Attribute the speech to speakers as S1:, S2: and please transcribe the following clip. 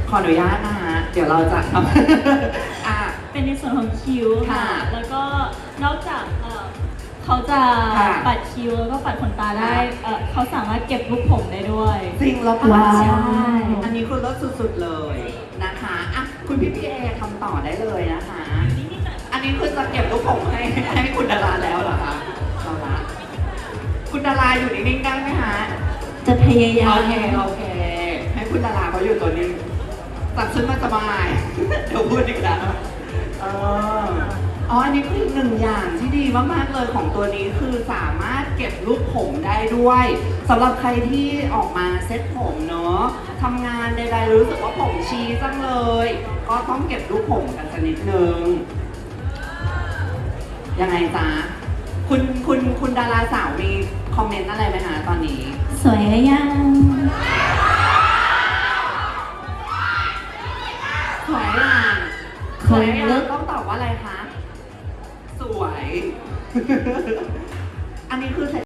S1: ขออนุญาตนะฮะเดี๋ยวเราจะทำ
S2: เป็นในส่วนของคิ้วค่ะ แล้วก็นอกจากเขาจะ
S1: ค่ะ
S2: ปัดคิ้วแล้วก็ปัดขนตาได้เขาสามารถเก็บลูกผมได้ด้วย
S1: จริงแล้วปะ
S2: ว้าว
S1: ใช่อันนี้คือรสสุดๆเลยนะคะอ่ะคุณพี่เอทำต่อได้เลยนะคะ อันนี้คือจะเก็บลูกผมให้คุณดาราแล้วเหรอคะเอาละคุณดาราอยู่นิ่งๆได้ไหมฮะ
S2: จะพยายาม
S1: โอเค ให้คุณดาราเขาอยู่ตัวนี้ตัดชุดมาสบาย เดี๋ยวพูดอีกแล้วอันนี้คือหนึ่งอย่างที่ดีมากๆเลยของตัวนี้คือสามารถเก็บลูกผมได้ด้วยสำหรับใครที่ออกมาเซ็ตผมเนาะทำงานใดๆรู้สึกว่าผมชี้จังเลย ก็ต้องเก็บลูกผมกันสักนิดนึงยังไงจ๊ะคุณดาราสาวมีคอมเมนต์อะไรไหมคะตอนนี้
S2: สวยหรือยัง
S1: สวยอ่ะสวยอ่ะต้องตอบว่าอะไรคะ สวย อันนี้คือ